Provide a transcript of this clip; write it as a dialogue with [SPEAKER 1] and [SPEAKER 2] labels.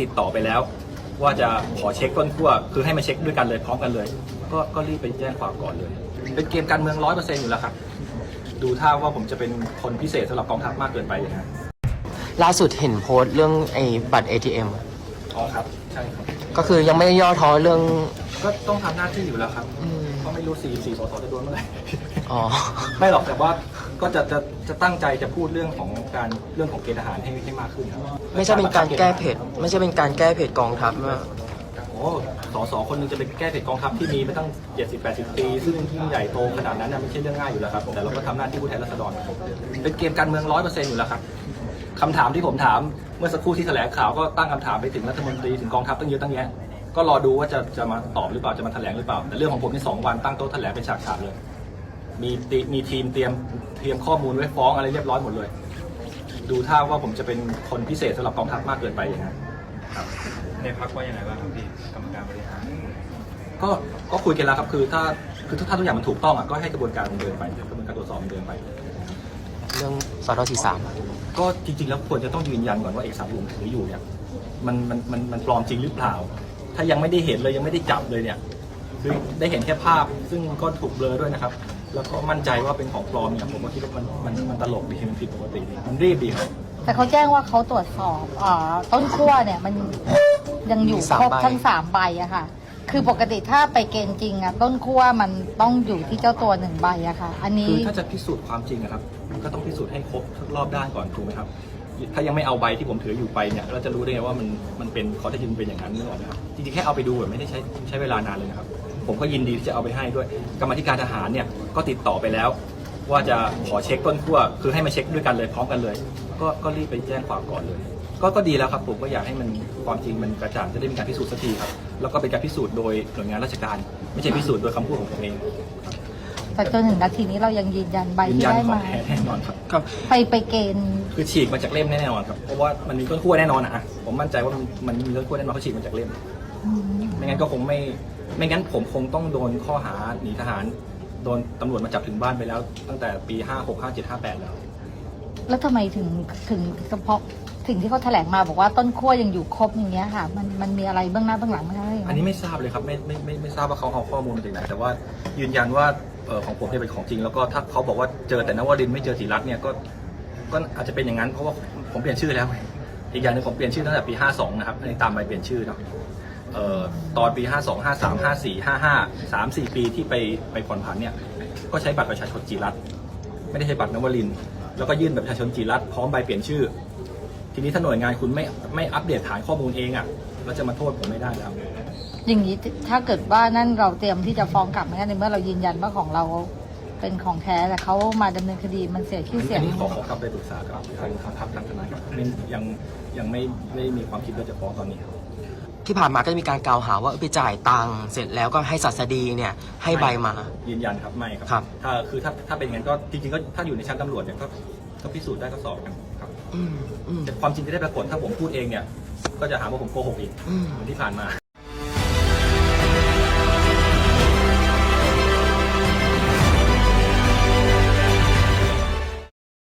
[SPEAKER 1] ติดต่อไปแล้ว ว่าจะขอเช็คต้นขั้วคือให้มาเช็คด้วยกันเลยพร้อมกันเลย ก็รีบไปแจ้งความก่อนเลย เป็นเกมการเมือง 100% อยู่แล้วครับดูท่าว่าผมจะเป็นคนพิเศษสำหรับกองทัพมากเกินไปอย่างนั้น
[SPEAKER 2] ล่าสุดเห็นโพสต์เรื่องไอ้บัตร ATM
[SPEAKER 1] อ๋อครับใช่ครับ
[SPEAKER 2] ก็คือยังไม่ได้ย่อท้อเรื่อง
[SPEAKER 1] ก็ต้องทำหน้าที่อยู่แล้วครับเพราะไม่รู้4สสจะโดนเมื่อไหร่
[SPEAKER 2] อ๋อ
[SPEAKER 1] ไม่หรอกแต่ว่าก็จะตั้งใจจะพูดเรื่องของเกณฑ์ทหารให้มากขึ้นครับ
[SPEAKER 2] ไม่ใช่เป็นการแก้เผ็ดไม่ใช่เป็นการแก้เผ็ดกองทัพนะ
[SPEAKER 1] โอ้สคนหนึงจะไปแก้เผ็ดกองทัพที่มีมาตั้ง70-80 ปีซึ่งยิ่งใหญ่โตขนาดนั้นนะไม่ใช่เรื่องง่ายอยู่แล้วครับแต่เราก็ทำหน้าที่ผู้แทนราษฎรเป็นเกมการเมือง 100% อยู่แล้วครับคำถามที่ผมถามเมื่อสักครู่ที่แถลงข่าวก็ตั้งคำถามไปถึงรัฐมนตรีถึงกองทัพตั้งเยอะตั้งแยะก็รอดูว่าจะมาตอบหรือเปล่าจะมาแถลงหรือเปล่าแต่เรื่องของผมใน2 วันตั้งโต๊ะแถลงเป็นฉากๆเลยมีทีมเตรียมข้อมูลไว้ฟ้องอะไรเรียบร้อยหมดเลยดูท่าว่าผมจะเป็นคนพิเศษสำหรับกองทัพมากเกินไปอย่างนั้นครับ
[SPEAKER 3] ในพักว่ายังไงบ้างครับพี่กรรมการบริหาร
[SPEAKER 1] ก็คุยกันแล้วครับคือถ้าทุกอย่างมันถูกต้องอ่ะก็ให้กระบวนการมันเดินไปกระบวนการตรวจสอบมันเดินไป
[SPEAKER 2] เรื่องสท43
[SPEAKER 1] ก็จริงๆแล้วควรจะต้องยืนยันก่อนว่าเอกสารที่ผมถืออยู่เนี่ยมันปลอมจริงหรือเปล่า ถ้ายังไม่ได้เห็นเลยยังไม่ได้จับเลยเนี่ยคือได้เห็นแค่ภาพซึ่งก็ถูกเบลอด้วยนะครับแล้วก็มั่นใจว่าเป็นของปลอมเนี่ยผมก็คิดว่ามันตลกดีมันผิดปกติดีมันรีบดีครับ
[SPEAKER 4] แต่เขาแจ้งว่าเขาตรวจสอบต้นขั้วเนี่ยมันยังอยู่ครบทั้ง3 ใบอะค่ะ คือปกติถ้าไปเกณฑ์จริงอะต้นขั้วมันต้องอยู่ที่เจ้าตัว1 ใบอะค่ะ อันนี้
[SPEAKER 1] คือถ้าจะพิสูจน์ความจริงนะครับก็ต้องพิสูจน์ให้ครบทุกรอบด้านก่อนถูกไหมครับถ้ายังไม่เอาใบที่ผมถืออยู่ไปเนี่ยเราจะรู้ได้ไงว่ามันเป็นข้อเท็จจริงเป็นอย่างนั้นนึกออกไหมครับจริงๆแค่เอาไปดูไม่ได้ใช้เวลานานเลยนะครับผมก็ยินดีที่จะเอาไปให้ด้วยกรรมาธิการทหารเนี่ยก็ติดต่อไปแล้ว ว่าจะขอเช็คต้นขั้วคือให้มาเช็คด้วยกันเลยพร้อมกันเลย ก็รีบไปแจ้งความก่อนเลย ก็ดีแล้วครับผมก็อยากให้มันความจริงมันกระจ่างจะได้มีการพิสูจน์สักทีครับแล้วก็เป็นการพิสูจน์โดยหน่วยงานราชการ ไม่ใช่พิสูจน์โดยคำพูดของผมเอง
[SPEAKER 4] แต่จนถึงนาทีนี้เรายังยืนยันใบ
[SPEAKER 1] ยืน
[SPEAKER 4] ที่
[SPEAKER 1] ยัน
[SPEAKER 4] ได้
[SPEAKER 1] ของ
[SPEAKER 4] มา
[SPEAKER 1] แท้แน่นอนครับ
[SPEAKER 2] ครับ
[SPEAKER 4] ไปเกณฑ์
[SPEAKER 1] คือฉีกมาจากเล่มแน่นอนครับเพราะว่ามันมีต้นขั้วแน่นอนอะผมมั่นใจว่ามันมีต้นขั้วแน่นอนเขาฉีกมาจากเล่มไม่งั้นก็คงไม่งั้นผมคงต้องโดนข้อหาหนีทหารโดนตำรวจมาจับถึงบ้านไปแล้ว ตั้งแต่ปี56 57 58แล้ว
[SPEAKER 4] แล้วทำไมถึงเฉพาะสิ่งที่เขาแถลงมาบอกว่าต้นขั้วยังอยู่ครบอย่างเงี้ยค่ะ มันมีอะไรเบื้องหน้าเบื้องหลังไหมคะ
[SPEAKER 1] อันนี้ไม่ทราบเลยครับไม่ทราบว่าเขาเอาข้อมูลมาจากไหนแต่ว่ายืนยันว่าของผมเนี่ยเป็นของจริงแล้วก็ถ้าเขาบอกว่าเจอแต่นวรินทร์ไม่เจอศิรัตน์เนี่ยก็อาจจะเป็นอย่างนั้นเพราะว่าผมเปลี่ยนชื่อแล้วอีกอย่างหนึงผมเปลี่ยนชื่อตั้งแต่ปี52นะครับในตามใบเปลี่ยนชื่อเนาะตอนปี52 53 54 55 3-4 ปีที่ไปผ่อนผันเนี่ยก็ใช้บัตรประชาชนจิรัตน์ไม่ได้ใช้บัตรนวรินทร์แล้วก็ยื่นบัตรประชาชนจิรัตน์พร้อมใบเปลี่ยนชื่อ ทีนี้ถ้าหน่วยงานคุณไม่อัปเดตฐานข้อมูลเองอ่ะเราจะมาโทษผมไม่ได้แล้ว
[SPEAKER 4] อย่างนี้ถ้าเกิดว่านั่นเราเตรียมที่จะฟ้องกลับไหมคะในเมื่อเรายืนยันว่าของเราเป็นของแท้แต่เขามาดำเนินคดีมันเสียชื่อเสีย
[SPEAKER 1] อั
[SPEAKER 4] ง
[SPEAKER 1] นนี้ขอกลับไปปรึกษากับทางทัพทางทนายครับยังไม่มีความคิดว่าจะฟ้องตอนนี้ครับ
[SPEAKER 2] ที่ผ่านมาก็จะมีการกล่าวหาว่าไปจ่ายตังค์เสร็จแล้วก็ให้ศัสดีเนี่ยให้ใบมา
[SPEAKER 1] ยืนยันครับไม่ครับ
[SPEAKER 2] ครับ
[SPEAKER 1] ถ้าเป็นอย่างนั้นก็จริงๆก็ถ้าอยู่ในชั้นตำรวจเนี่ยก็พิสูจน์ได้ก็สอบกันครับ
[SPEAKER 2] อืม
[SPEAKER 1] แต่ความจริงจะได้ปรากฏถ้าผมพูดเองเนี่ยก็จะหาว่าผมโกหกอีกเหมือนที่ผ่านมา